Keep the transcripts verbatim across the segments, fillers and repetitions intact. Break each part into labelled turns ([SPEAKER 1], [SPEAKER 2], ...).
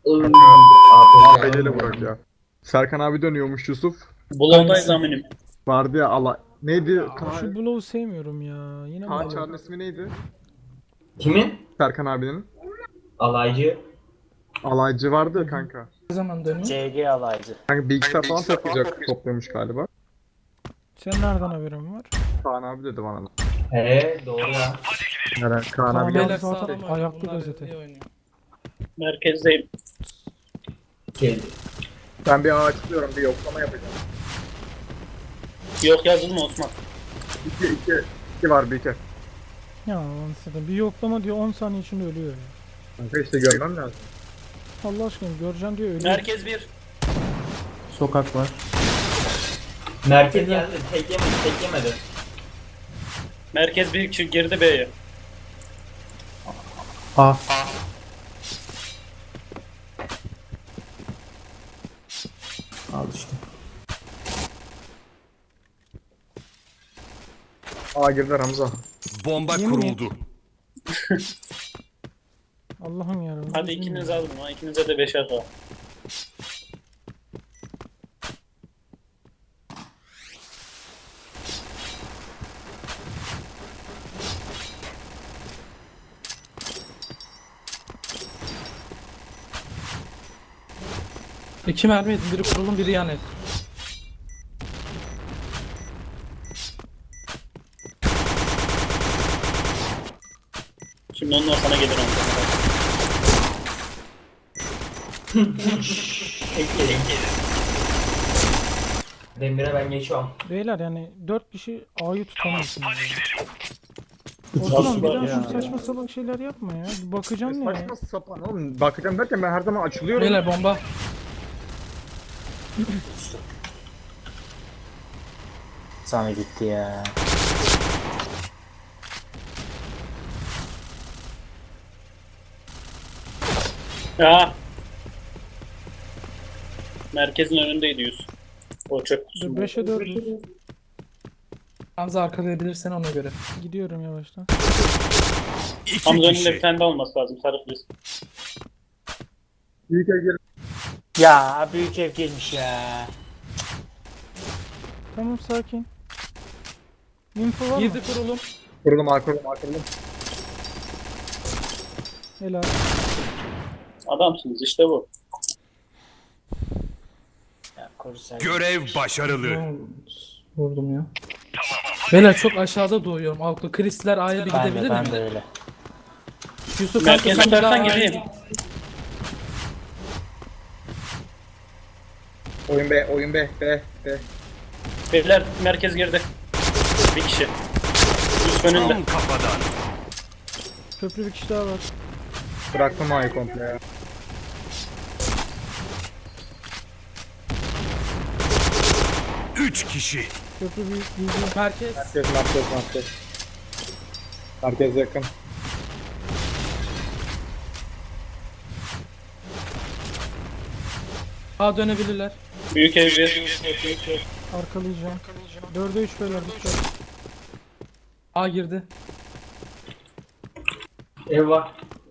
[SPEAKER 1] Iıı,
[SPEAKER 2] Kanka,
[SPEAKER 1] A P C.
[SPEAKER 2] A P C ile bırak ya. Serkan abi dönüyormuş Yusuf.
[SPEAKER 3] Blow'dayız aminim.
[SPEAKER 2] Vardı ya ala... Neydi?
[SPEAKER 4] Şu
[SPEAKER 2] Kaan,
[SPEAKER 4] Blow'u sevmiyorum ya. Yine
[SPEAKER 2] Kaan
[SPEAKER 4] Blow.
[SPEAKER 2] Çağrı'nın ismi neydi?
[SPEAKER 1] Kimin?
[SPEAKER 2] Serkan abinin.
[SPEAKER 1] Alaycı.
[SPEAKER 2] Alaycı vardı ya kanka.
[SPEAKER 5] Ne zaman dönüyor?
[SPEAKER 3] C G alaycı.
[SPEAKER 2] Kanka bilgisayar falan toplayacak, topluyormuş galiba.
[SPEAKER 4] Sen nereden haberin var?
[SPEAKER 2] Kaan abi dedi bana.
[SPEAKER 1] He doğru ya.
[SPEAKER 2] Neren? Kaan abi
[SPEAKER 4] Beyler
[SPEAKER 2] geldi.
[SPEAKER 4] zaten
[SPEAKER 5] sağlam oynuyor,
[SPEAKER 4] ayaklı
[SPEAKER 5] bunlar
[SPEAKER 4] gazete.
[SPEAKER 5] iyi oynuyor.
[SPEAKER 3] Merkezdeyim.
[SPEAKER 1] Kedi.
[SPEAKER 2] Ben bir ağ açıklıyorum, bir yoklama yapacağım.
[SPEAKER 3] Yok yazılma Osman.
[SPEAKER 2] İki, iki, iki var bir iki.
[SPEAKER 4] Ya anasını bir yoklama diyor on saniye içinde ölüyor ya.
[SPEAKER 2] Kanka işte görmem lazım.
[SPEAKER 4] Allah aşkına göreceğim diyor ölüyor.
[SPEAKER 3] Merkez bir.
[SPEAKER 6] Sokak var.
[SPEAKER 1] Merkez geldi. Tek yemedi. Tek yemedi.
[SPEAKER 3] Merkez bir kişi girdi B'ye.
[SPEAKER 6] A. Al işte.
[SPEAKER 2] Aa girdiler Hamza.
[SPEAKER 7] Bomba
[SPEAKER 4] Yemin
[SPEAKER 7] kuruldu.
[SPEAKER 4] Allah'ım yarabbim.
[SPEAKER 3] Hadi ikiniz alın ha. İkinize de beşer var.
[SPEAKER 5] İki mermi yedin. Biri kurulum, biri yan et.
[SPEAKER 3] Şimdi onlar sana gelir onu.
[SPEAKER 1] Tek yedi. Demir'e ben geçiyorum.
[SPEAKER 4] Beyler yani dört kişi A'yı tutamıyorsunuz. Osman bir daha şu saçma salak şeyler yapma ya. Bir bakacağım ne ya.
[SPEAKER 2] Saçma sapan oğlum. Bakacağım derken ben her zaman açılıyorum.
[SPEAKER 5] Beyler bomba.
[SPEAKER 3] Sana gitti ya. Ya. Merkezin önündeydi yüz. O çöp kutusu.
[SPEAKER 4] beşe dört
[SPEAKER 5] Hamza arkalayabilirsen ona göre.
[SPEAKER 4] gidiyorum yavaştan.
[SPEAKER 7] İki
[SPEAKER 3] Hamza önünde
[SPEAKER 7] kişi.
[SPEAKER 3] bir tane de olması lazım. Sarı filiz.
[SPEAKER 2] İlk el gel.
[SPEAKER 3] Ya büyük ev gelmiş ya.
[SPEAKER 4] Tamam sakin. Info var mı?
[SPEAKER 5] Girdi kurulum.
[SPEAKER 2] Kurulum A kurulum A kurulum.
[SPEAKER 4] Helal.
[SPEAKER 3] Adamsınız işte bu.
[SPEAKER 7] Görev başarılı.
[SPEAKER 5] Vurdum ya. Beyler çok aşağıda doğuyorum. Alklı. Kristler A'ya bir gidebilir mi?
[SPEAKER 3] öyle.
[SPEAKER 5] Yusuf
[SPEAKER 3] Merkez
[SPEAKER 5] kanka sen
[SPEAKER 3] tutarsan
[SPEAKER 5] daha A'ya
[SPEAKER 3] geleyim.
[SPEAKER 5] git.
[SPEAKER 2] Oyun B, oyun B, B, B.
[SPEAKER 3] Beyler merkez girdi. Bir kişi. Yusuf önünde.
[SPEAKER 7] Tam kafadan.
[SPEAKER 4] Köprü bir kişi daha var.
[SPEAKER 2] Bıraktım A'yı komple ya.
[SPEAKER 7] Üç kişi.
[SPEAKER 4] Köprü büyük büyük.
[SPEAKER 5] Merkez.
[SPEAKER 2] Merkez, merkez, merkez. Merkez yakın.
[SPEAKER 5] A dönebilirler.
[SPEAKER 3] Büyük ev bir.
[SPEAKER 4] Arkalayacağım. Dörde üç beyler dikkat.
[SPEAKER 5] A girdi.
[SPEAKER 1] Ev var.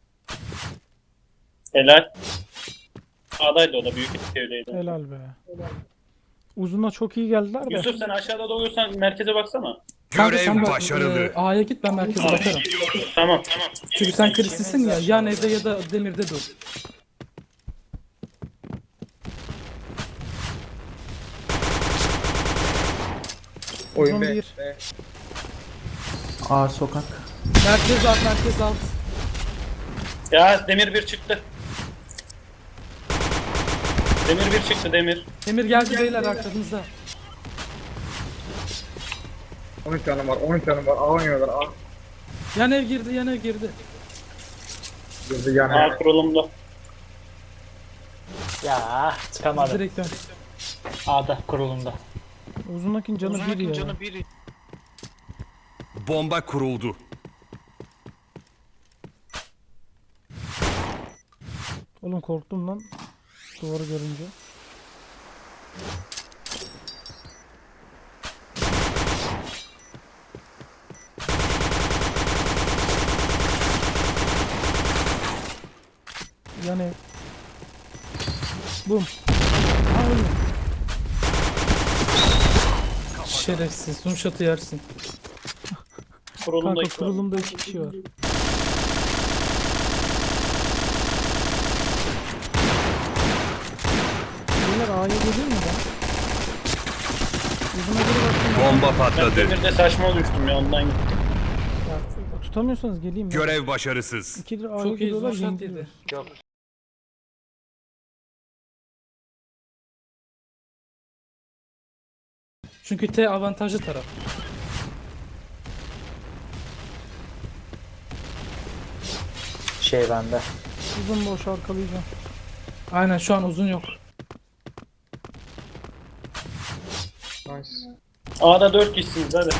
[SPEAKER 3] Helal. Sağdaydı o da büyük evdeydi.
[SPEAKER 4] Helal be. Uzuna çok iyi geldiler de.
[SPEAKER 3] Yusuf sen aşağıda doğuyorsan merkeze baksana.
[SPEAKER 5] Kanka sen
[SPEAKER 7] Görev
[SPEAKER 5] bak,
[SPEAKER 7] başarılı.
[SPEAKER 5] e, A'ya git ben merkeze bakarım.
[SPEAKER 3] Tamam tamam.
[SPEAKER 5] Çünkü sen Kristlisin ya. Yan evde ya da demirde dur.
[SPEAKER 2] Oyun
[SPEAKER 4] Uzun
[SPEAKER 2] B.
[SPEAKER 4] bir.
[SPEAKER 2] B.
[SPEAKER 6] A sokak.
[SPEAKER 5] Merkez alt, merkez alt.
[SPEAKER 3] Ya demir bir çıktı. Demir bir çıktı demir.
[SPEAKER 5] Demir geldi beyler arkanızda.
[SPEAKER 2] on üç canım var, on üç canım var. A oynuyorlar, A.
[SPEAKER 5] Yan ev girdi, yan ev girdi.
[SPEAKER 2] Girdi yani.
[SPEAKER 3] A kurulumda.
[SPEAKER 8] Ya çıkamadım.
[SPEAKER 5] Direkt dön.
[SPEAKER 8] A'da kurulumda.
[SPEAKER 4] Uzundakinin canı bir ya.
[SPEAKER 7] Bomba kuruldu.
[SPEAKER 4] Oğlum korktum lan. Duvarı görünce. Yani Bum. Ha öyle.
[SPEAKER 5] Şerefsiz. Zoom shot'ı yersin.
[SPEAKER 3] Kurulumda
[SPEAKER 4] Kanka
[SPEAKER 3] iki var.
[SPEAKER 4] kurulumda iki kişi var. Beyler A'ya gelir mi ben? Uzuna geri bakayım.
[SPEAKER 7] Bomba
[SPEAKER 3] Ben
[SPEAKER 7] patladı.
[SPEAKER 3] demirde saçma düştüm ya ondan gittim.
[SPEAKER 4] Ya, tutamıyorsanız geleyim ben.
[SPEAKER 7] Görev başarısız.
[SPEAKER 4] İkidir A'ya
[SPEAKER 5] Çok iyi
[SPEAKER 4] geliyorlar
[SPEAKER 5] zoom shot
[SPEAKER 4] yeniliyorlar.
[SPEAKER 5] yedi.
[SPEAKER 8] Yok.
[SPEAKER 5] Çünkü T avantajlı taraf.
[SPEAKER 8] Şey bende.
[SPEAKER 4] Uzun boş arkalayacağım.
[SPEAKER 5] Aynen şu an uzun yok.
[SPEAKER 2] Nice.
[SPEAKER 3] A'da dört kişisiniz hadi.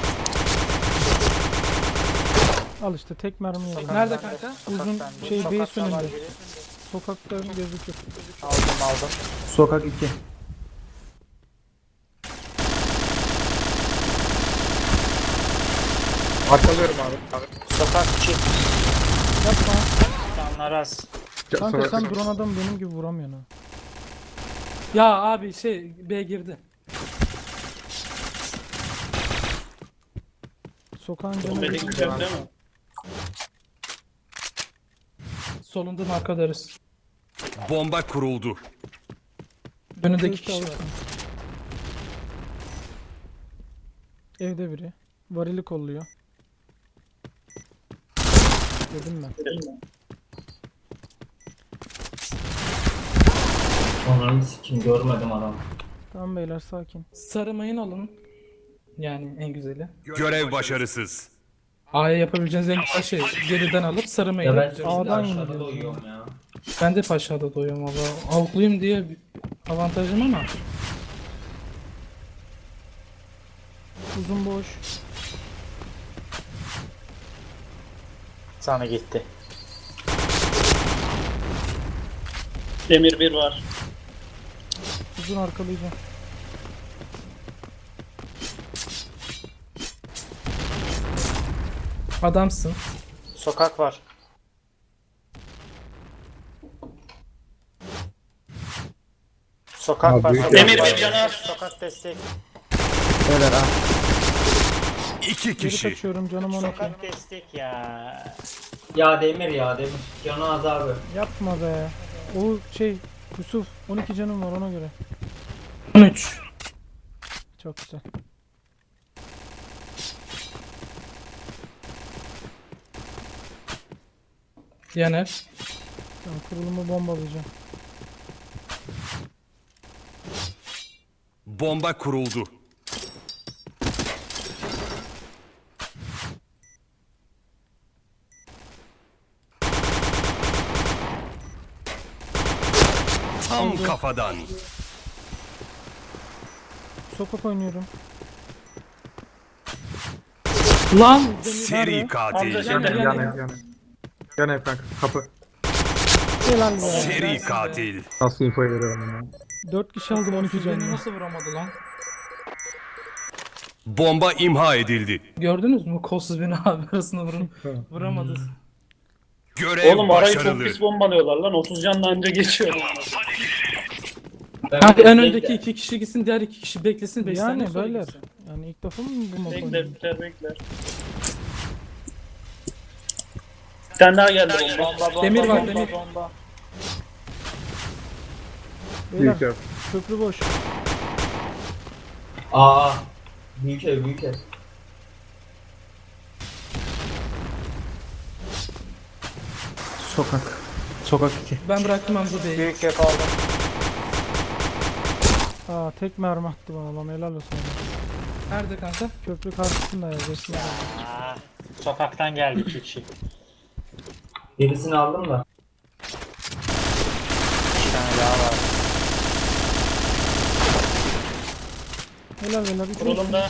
[SPEAKER 4] Al işte tek mermi yedim.
[SPEAKER 5] Nerede kanka?
[SPEAKER 4] Uzun
[SPEAKER 8] Sokaktan-
[SPEAKER 4] şey
[SPEAKER 8] sokakta
[SPEAKER 4] base önünde.
[SPEAKER 8] var biri.
[SPEAKER 4] Sokakta gözüküyor.
[SPEAKER 8] Aldım aldım.
[SPEAKER 6] Sokak iki.
[SPEAKER 2] Arkalıyorum abi. Abi.
[SPEAKER 8] Sokak iki.
[SPEAKER 4] Yapma.
[SPEAKER 8] Canlar az.
[SPEAKER 4] Kanka
[SPEAKER 2] Sonra-
[SPEAKER 4] sen drone adam benim gibi vuramıyorsun ha.
[SPEAKER 5] Ya abi şey B girdi.
[SPEAKER 4] Sokağın canı
[SPEAKER 3] Medik
[SPEAKER 4] bir-
[SPEAKER 3] güzel değil mi?
[SPEAKER 5] Solundan arkalarız.
[SPEAKER 7] Bomba kuruldu.
[SPEAKER 5] Önündeki
[SPEAKER 4] Kılıç
[SPEAKER 5] kişi var.
[SPEAKER 4] alırsın. Evde biri. Varili kolluyor. Dedim ben.
[SPEAKER 1] Onların sikim görmedim adam.
[SPEAKER 4] Tamam beyler sakin.
[SPEAKER 5] Sarı mayın alın. Yani en güzeli.
[SPEAKER 7] Görev başarısız.
[SPEAKER 5] A'ya yapabileceğiniz en güzel şey geriden alıp sarı mayın
[SPEAKER 1] Ya ben
[SPEAKER 5] yapacağız.
[SPEAKER 1] şimdi
[SPEAKER 4] A'dan
[SPEAKER 1] aşağıda
[SPEAKER 4] yeniliyoruz
[SPEAKER 1] uyuyorum ya.
[SPEAKER 5] Ben de aşağıda doyuyorum valla. Avukluyum diye bir avantajım ama.
[SPEAKER 4] Uzun boş.
[SPEAKER 8] Sana gitti.
[SPEAKER 3] Demir bir var.
[SPEAKER 4] Uzun arkalayacağım.
[SPEAKER 5] Adamsın.
[SPEAKER 8] Sokak var. Sokak
[SPEAKER 2] Abi,
[SPEAKER 8] var.
[SPEAKER 2] büyük
[SPEAKER 8] Sokak
[SPEAKER 3] Demir
[SPEAKER 8] var.
[SPEAKER 3] bir canavar.
[SPEAKER 8] Sokak destek.
[SPEAKER 6] Beyler ha.
[SPEAKER 7] İki
[SPEAKER 4] Geri
[SPEAKER 7] kişi.
[SPEAKER 4] kaçıyorum canım on iki.
[SPEAKER 8] Sokak destek ya.
[SPEAKER 1] Ya Demir ya Demir. Canı az abi.
[SPEAKER 4] Yapma be. O şey Yusuf on iki canım var ona göre.
[SPEAKER 5] on üç.
[SPEAKER 4] Çok güzel.
[SPEAKER 5] Yener.
[SPEAKER 4] Ben kurulumu bombalayacağım.
[SPEAKER 7] Bomba kuruldu. Tam kafadan.
[SPEAKER 4] Sokak oynuyorum.
[SPEAKER 5] Lan!
[SPEAKER 7] Seri katil.
[SPEAKER 3] Hamza şeyde.
[SPEAKER 5] Yan-
[SPEAKER 2] Yan ev yan ev. Yan ev kanka. Kapı.
[SPEAKER 4] Helal be.
[SPEAKER 7] Seri katil.
[SPEAKER 2] Nasıl info veriyorum ya.
[SPEAKER 4] dört kişi aldım on iki
[SPEAKER 5] Beni
[SPEAKER 4] canım.
[SPEAKER 5] nasıl vuramadı lan?
[SPEAKER 7] Bomba imha edildi.
[SPEAKER 5] Gördünüz mü? Kolsuz beni abi arasında vurun. Vuramadı.
[SPEAKER 7] Görev
[SPEAKER 3] Oğlum arayı çok
[SPEAKER 7] başarılı.
[SPEAKER 3] pis bombalıyorlar lan. otuz canla anca geçiyor.
[SPEAKER 1] Ben
[SPEAKER 5] Kanka en
[SPEAKER 1] bekle-
[SPEAKER 5] öndeki iki kişi gitsin, diğer iki kişi beklesin. beş saniye
[SPEAKER 4] Yani
[SPEAKER 5] sonra
[SPEAKER 4] beyler.
[SPEAKER 5] gitsin.
[SPEAKER 4] Yani ilk defa mı bu map
[SPEAKER 3] Bekler
[SPEAKER 4] oynuyorum?
[SPEAKER 3] bekler bekler. Bir tane daha geldi bomba.
[SPEAKER 8] Bomba bomba
[SPEAKER 5] Demir var,
[SPEAKER 8] bomba,
[SPEAKER 5] demir.
[SPEAKER 8] bomba.
[SPEAKER 4] Beyler
[SPEAKER 2] Büyük ev.
[SPEAKER 4] köprü boş.
[SPEAKER 1] Aa. Büyük ev büyük ev.
[SPEAKER 6] Sokak. Sokak iki.
[SPEAKER 5] Ben bıraktım Hamza Bey'i.
[SPEAKER 8] Büyük yap aldım.
[SPEAKER 4] Aa tek mermi attı bana lan helal olsun.
[SPEAKER 5] Nerede kanka?
[SPEAKER 4] Köprü karşısında ya. Resmi.
[SPEAKER 8] Aa, sokaktan geldi iki kişi.
[SPEAKER 1] Birisini aldım da.
[SPEAKER 8] Bir tane daha var.
[SPEAKER 4] Helal helal. Üç olsun.
[SPEAKER 3] Kurulumda.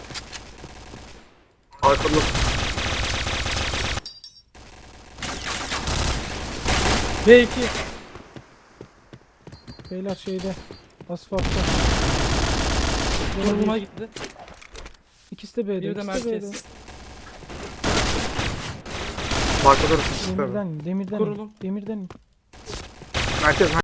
[SPEAKER 2] Arkalı.
[SPEAKER 5] B iki.
[SPEAKER 4] Beyler şeyde. Asfaltta.
[SPEAKER 5] Vurulma gitti.
[SPEAKER 4] İkisi de B'de.
[SPEAKER 5] Bir de
[SPEAKER 4] ikisi de B'de.
[SPEAKER 5] merkez.
[SPEAKER 2] Arkalı.
[SPEAKER 4] Demirden, demirden,
[SPEAKER 5] Kurulum.
[SPEAKER 4] demirden.
[SPEAKER 2] Merkez.